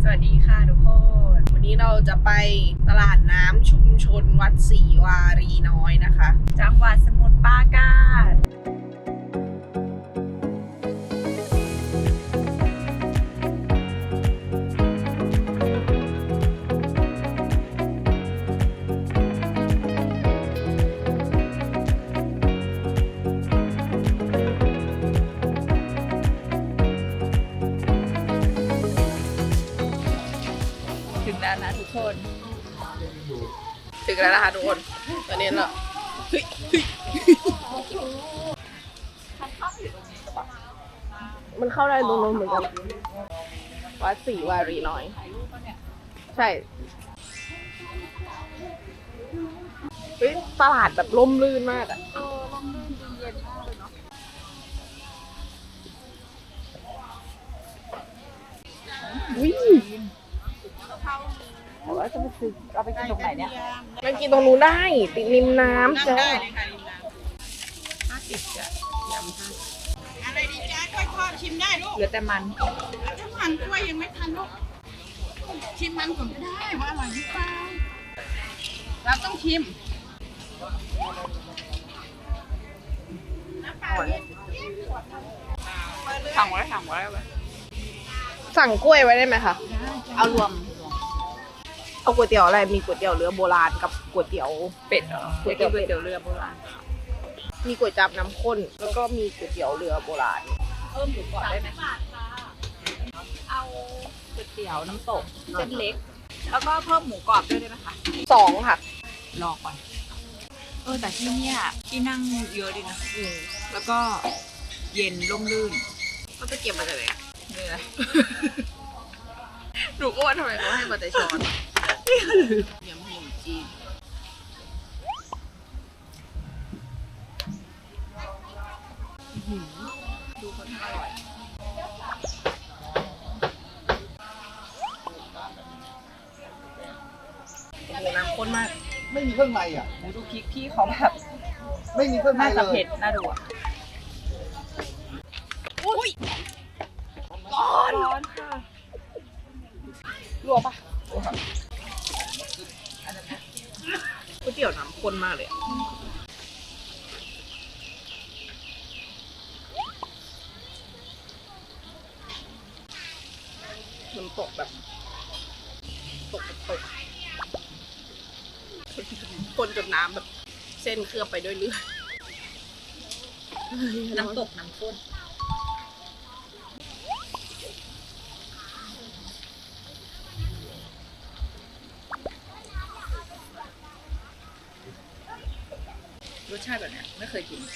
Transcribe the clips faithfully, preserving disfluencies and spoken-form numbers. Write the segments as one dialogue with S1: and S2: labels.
S1: สวัสดีค่ะทุกคน วันนี้เราจะไปตลาดน้ำชุมชนวัดศรีวารีน้อยนะคะ
S2: จังหวัดสมุทรปราการถึงแล้วนะทุกคน
S1: ถึงแล้วนะคะทุกคน ตอนนี้เราเฮ้ยเฮ้ยมันเข้าได้ตรงนู้นเหมือนกัน วัดศรีวารีน้อย ใช่เฮ้ยตลาดแบบร่มรื่นมากอะ
S2: เออลมลื่นดีเย็นมากเลยเนาะ
S1: วิ
S2: แต่ว่าจะไปซื้อเราไปกินตรงไหนเนี่ย
S1: มันกินตรงนู้นได้ ติดริมน้ำจ้ะ
S2: ห้าสิบจ้ะยำห้า
S3: อะไรดีจ้ากล้วยทอดชิมได้ลูก
S2: เหลือแต่มัน
S3: ถ้ามันกล้วยยังไม่ทันลูก ชิมมันก่อนก็ได้ว่าอร่อยหรือเปล่าเราต้องชิม
S2: สั่งไว้สั่งไว้ไว้
S1: สั่งกล้วยไว้ได้ไหมคะ
S2: เอารวม
S1: เอาก๋วยเตี๋ยวอะไร มีก๋วยเตี๋ยวเรือโบราณกับก๋วยเตี๋ยว
S2: เป็ดเหรอก๋วยเตี๋ยวก๋วยเตี๋ยวเรือโบราณ
S1: มีก๋วยจั๊บน้ำข้น แล้วก็มีก๋วยเตี๋ยวเรือโบราณ
S2: เพิ่มหมูกรอบได้ไหมเอาก๋วยเตี๋ยวน้ำตกเส้นเล็ก แล้วก็เพิ่มหมูกรอบด้วยได้ไหมคะ
S1: สองค่ะ
S2: รอก่อน เออแต่ที่เนี่ยที่นั่งเยอะดีนะ
S1: อืม
S2: แล้วก็เย็นร่มรื่น
S1: เขาจะเก็บมาจากไหนอะ
S2: เหนื่อย
S1: หนูก็ว่าทำไมเขาให้มาแต่ช้อนยำขนมจีนดูคนอร่อยโอ้โหน้ำข้นมาก
S4: ไม่มีเครื่องในอ่ะ
S2: หมูดูพริกพี่เขาแบบ
S4: ไม่มีเครื่องใน
S2: น่า
S4: เล
S2: จะ
S4: ย
S2: เผ็ดน่าดูอ่ะ
S1: อุ้ย
S2: ร้อนร้อนค่ะ
S1: ลวกปะก๋วยเตี๋ยวน้ำข้นมากเลยอะมันตกแบบ ตกแบบตกคนจนน้ำแบบ เส้นเคลือบไปด้วยเลือด
S2: น้ำตกน้ำข้น รสชาติแบบเนี้ยไม่เคยกิน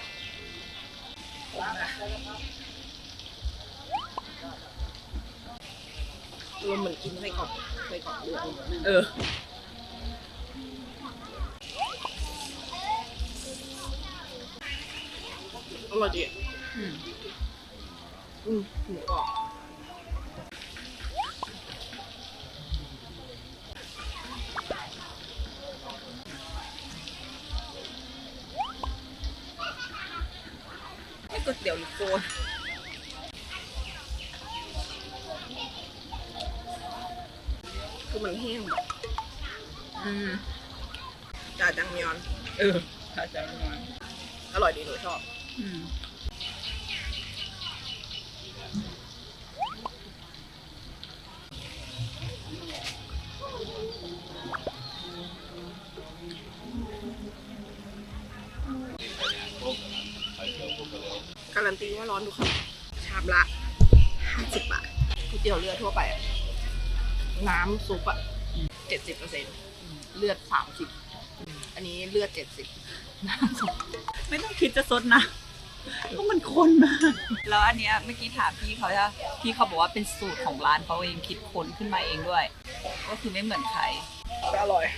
S1: รวมเหมือนกินไส้กรอกไส้กรอกเลือด
S2: เออ
S1: อร่อยดี
S2: อืม
S1: อืมหมูกรอบ
S2: ไม่ก๋วยเตี๋ยวหรือโฟน
S1: คือมันแห้งแบบ
S2: อืม
S1: จ่าจังมยอน
S2: เออถ้าจะนอน
S1: อร่อยดีหนูชอบ
S2: อืม
S1: การันตีว่าร้อนทุกคำชามละห้าสิบบาทก๋วยเตี๋ยวเรือทั่วไปอะน้ำซุปอะเจ็ดสิบเปอร์เซ็นต์เลือดสามสิบอันนี้เลือดเจ็ดสิบ
S2: ไม่ต้องคิดจะซดนะเพราะมันข้นมาก แล้วอันเนี้ยเมื่อกี้ถามพี่เขาจะพี่เขาบอกว่าเป็นสูตรของร้านเขาเองคิดค้นขึ้นมาเองด้วย ก็คือไม่เหมือนใคร
S1: แต่อร่อย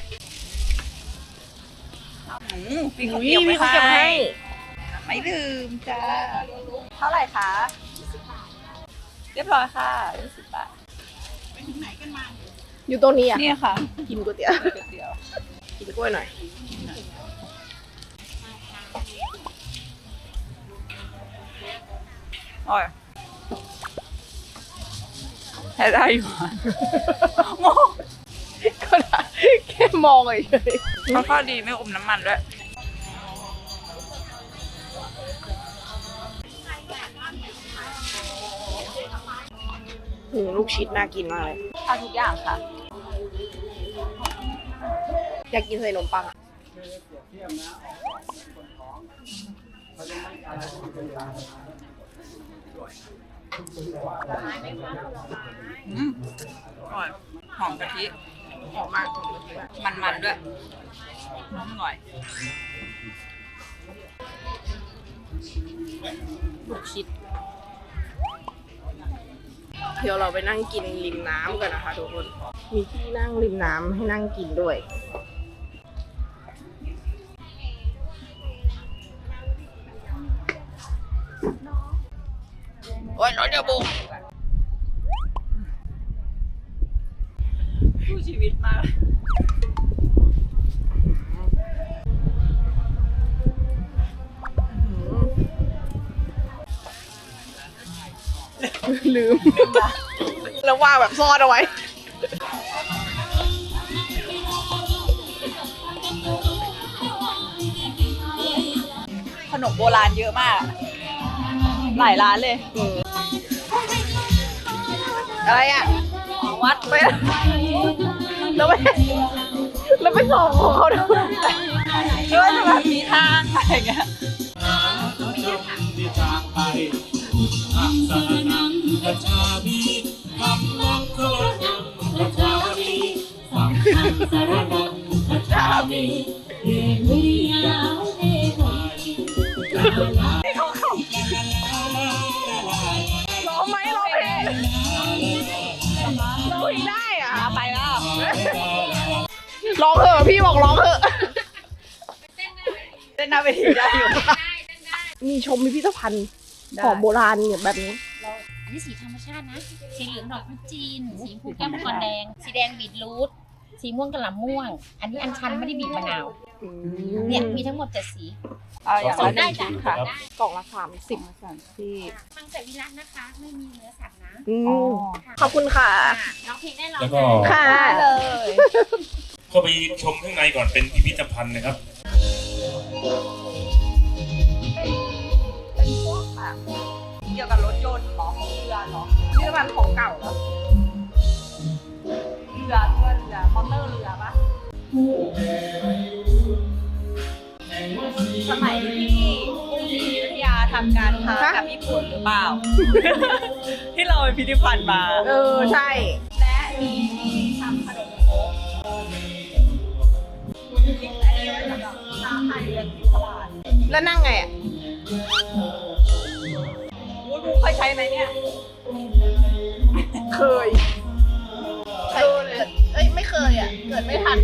S2: อืมพี่เขา
S1: อุ๊ย
S2: เก็บ
S1: พี่
S2: ไว้
S1: เขาเก็บให้
S2: ให้ไม่ลืมจ้าเท่าไหร่คะเรียบร้อยค่ะยี่สิบบาท
S3: ไปถึงไหนกันมา
S1: อยู่ตรงนี้อะ
S2: เนี่ยค่ะ
S1: กินก๋วยเตี๋ยว
S2: ก๋วยเตี๋ยว
S1: กินกล้วยหน่อย
S2: อร่อยแค่ได้อยู่โม
S1: ก็ได้แค่มองเฉย
S2: เขาข้อดีไม่อมน้ำมันด้วย
S1: ๆอืมลูกชิดน่ากินมากเลย
S2: เอาทุกอย่างค่ะ
S1: อยากกินใส่ขนมปังอะ
S2: อืมอร่อย หอมกะทิ
S1: หอมมาก
S2: มันๆด้วยน้องอร่อย
S1: ลูกชิดเดี๋ยวเราไปนั่งกินริมน้ำกันนะคะทุกคน มีที่นั่งริมน้ำให้นั่งกินด้วย โอ้ยร้อนเดี๋ยวบุก
S2: สู้ชีวิตมาก
S1: ลืม แล้วว่างแบบซ่อนเอาไว้
S2: ขนมโบราณเยอะมาก หลายร้านเลย
S1: อะไรอ่ะ
S2: ของวัด
S1: ไปแล้วไปแล้วไปส่องของเขาด้วย
S2: ไม่ว่าจะแบบมีทางอะไรเงี้ย
S1: ร้องไหมร้องเพลงร้องเพลงได้อ่ะ
S2: ไปแล้ว
S1: ร้องเถอะพี่บอกร้องเถอะ
S2: เต้นหน้าเวทีได้อยู่
S1: มีชมพิพิธภัณฑ์
S2: ได้
S1: ของโบราณเนี่ยแบบนี้
S5: อันนี้สีธรรมชาตินะ สีเหลืองดอกพุจีน สีชมพูแก้วมังกรแดง สีแดงบีทรูท สีม่วงกะหล่ำม่วง อันนี้อัญชันไม่ได้บีบมะนาว เนี่ยมีทั้งหมดเจ็ดสี
S2: เอาอย่าง
S5: ส่
S2: ละ
S5: ง
S2: ห
S5: ได้
S2: นึ่ง
S5: จ้ะ
S2: ชุดค่ะ
S5: ได้
S1: กล่องละสามสิบ
S2: ที่
S5: มังสวิรัตนะคะ ไม่มีเนื้อสัตว์นะ
S1: อืม
S2: อ๋อ
S1: ขอบคุณค่ะ
S5: ค่ะน้องเพลงได้ร้อง
S6: แล้วก็
S1: ค่ะ
S2: เลย
S6: เข้าไปชมข้างในก่อนเป็นพิพิธภัณฑ์นะครับ
S2: เป็นพวกแบบเกี่ยวกับรถยนต์เหรอของเรือเหรอ
S1: พิพิธภัณฑ์ของเก่าเหรอ
S2: เรือเรือเรือมอเตอร์เรือปะสมัยที่กรุงศรีอยุธยาทำการค้ากับญี่ปุ่นหรือเปล่า ที่เราไปพิพิธภัณฑ์มา
S1: เออ ใช่
S2: และมีที่ทำขนมโค้กคิดอันนี้ไว้สำหรับชาวไทยเรือนที่ตลาด
S1: แล้วนั่งไงอ่ะ
S2: วุ้ยบูเคยใช้ไหมเนี่ย
S1: เคยเคยเอ้ย ไม่เคยอ่ะ เกิดไม่ทัน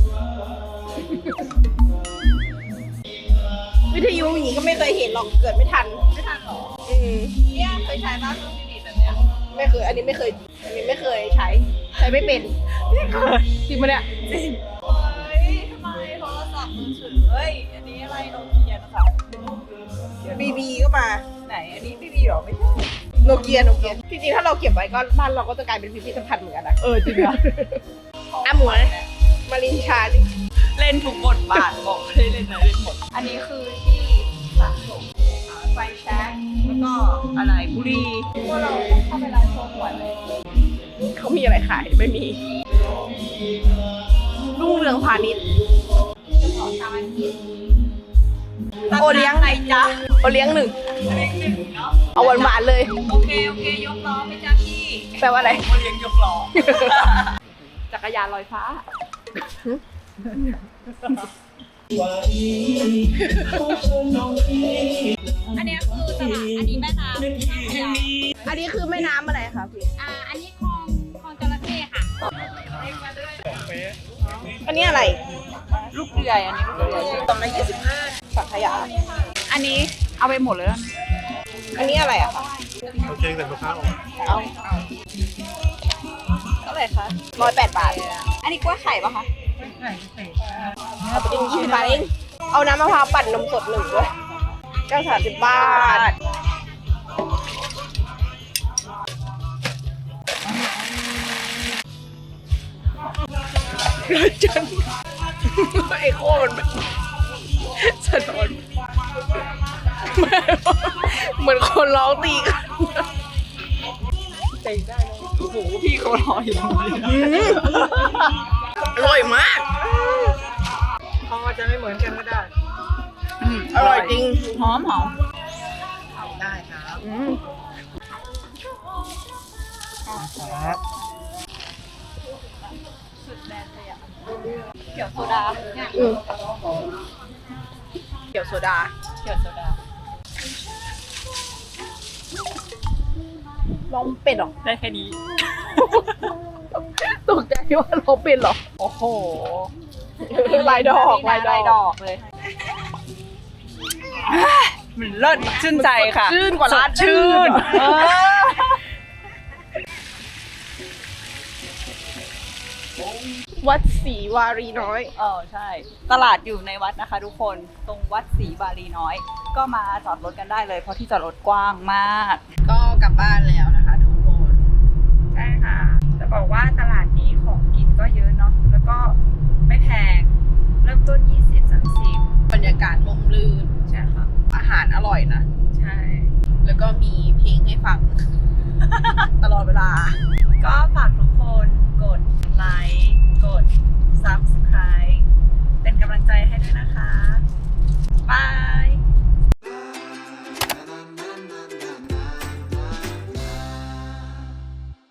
S1: วิทยุอย่างนี้ก็ไม่เคยเห็นหรอก เกิดไม่ทัน
S2: ไม่ทันหรอ
S1: อืม
S2: เนี่ยเคยใช้บ้างเครื่องพินิจแบบเนี้ย
S1: ไม่เคย อันนี้ไม่เคย อันนี้ไม่เคยใช้ ใช้ไม่เป็น
S2: ไม่เคย
S1: จริงปะเนี่ย
S2: จริงเฮ้ยทำไมโทรศัพท์มือถือเฮ้ย อันนี้อะไรโนเกียนะคะ
S1: บีบีก็มา
S2: ไหน อันนี้พี่บีหรอไม่ใช่
S1: โนเกียโนเกียจริงๆถ้าเราเก็บไว้ก็บ้านเราก็จะกลายเป็นพิพิธภัณฑ์เหมือนกันนะ
S2: เออจริงอะ
S1: อ่ะหมวยมารินชาดิ
S2: เล่นทุกบทบาทบอกไม่ได้เล่นไหนเล่นหมด อันนี้คือที่สะสมไฟแช็กแล้วก็อะไรบุหรี่พวกเราต้องเข้าไปร้านโชว์หวยเลย
S1: เขามีอะไรขาย ไม่มี รุ่งเรืองพาณิชย์ โอเลี้ยง
S2: ไหนจ๊ะ
S1: โอเลี้ยงหนึ่ง
S2: เลี้ยงหนึ่งเนาะ
S1: เอาหวานๆเลย
S2: โอเค โอเค ยกล้อไปจ้าพี่
S1: แปลว่าอะไร
S2: มาเลี้ยงยกล้อ จักรยานลอยฟ้า อันนี้คือตลาด อันนี้แม่น้ำท่าพระยา
S1: อันนี้คือแม่น้ำอะไรคะพี่
S5: อ่า อันนี้คลองคลองจระเข้ค่ะ
S1: อันนี้อะไร
S2: ลูกเดือยอันนี้ลูกเดือย
S1: กล่องละยี่สิบห้าสังขยา
S2: อันนี้เอาไปหมดเลยนะ
S1: อันนี้อะไรอะคะ
S4: โอเคแต่มะพร้าว
S1: เอาเท่าไหร่คะร้อยแปดบาท
S2: อันนี้กล้วยไข่ปะคะ
S1: เอาไปกินยี่สิบบาทเอง เอาน้ำมะพร้าวปั่นนมสดหนึ่งด้วยเก้าสามสิบบาทร้อยจันไอโคมันแบบสะท้อนเหมือนคนร้องตีกันใจได้เลย
S2: โอ้โหพี่เขารออยู่ตรงนี้
S1: อร่อยมาก
S4: เขาก็จะไม่เหมือนกันก็ได้
S2: อืม
S1: อร่อยจริง
S2: หอมหอม
S4: ได้ครับ
S1: อืม
S4: ครับ
S2: เขียวโซดา
S1: อืมเกี่ยวโซดา
S2: เขียวโซดา
S1: ลองเป็ดหรอ
S2: ได้แค่นี้
S1: ตกใจว่าลองเป็ดหรอ
S2: โอ้โห
S1: ลายดอกลายดอก
S2: ลายดอกเลยมันเลิศชื่นใจค่ะ
S1: ชื่นกว่าร้าน
S2: สดชื่น
S1: เออวัดศรีวารีน้อย
S2: เออใช่ ตลาดอยู่ในวัดนะคะทุกคนตรงวัดศรีบาลีน้อย ก็มาจอดรถกันได้เลยเพราะที่จอดรถกว้างมาก
S1: ก็กลับบ้านแล้วนะคะทุกคน
S2: ใช่ค่ะ จะบอกว่าตลาดนี้ของกินก็เยอะเนาะร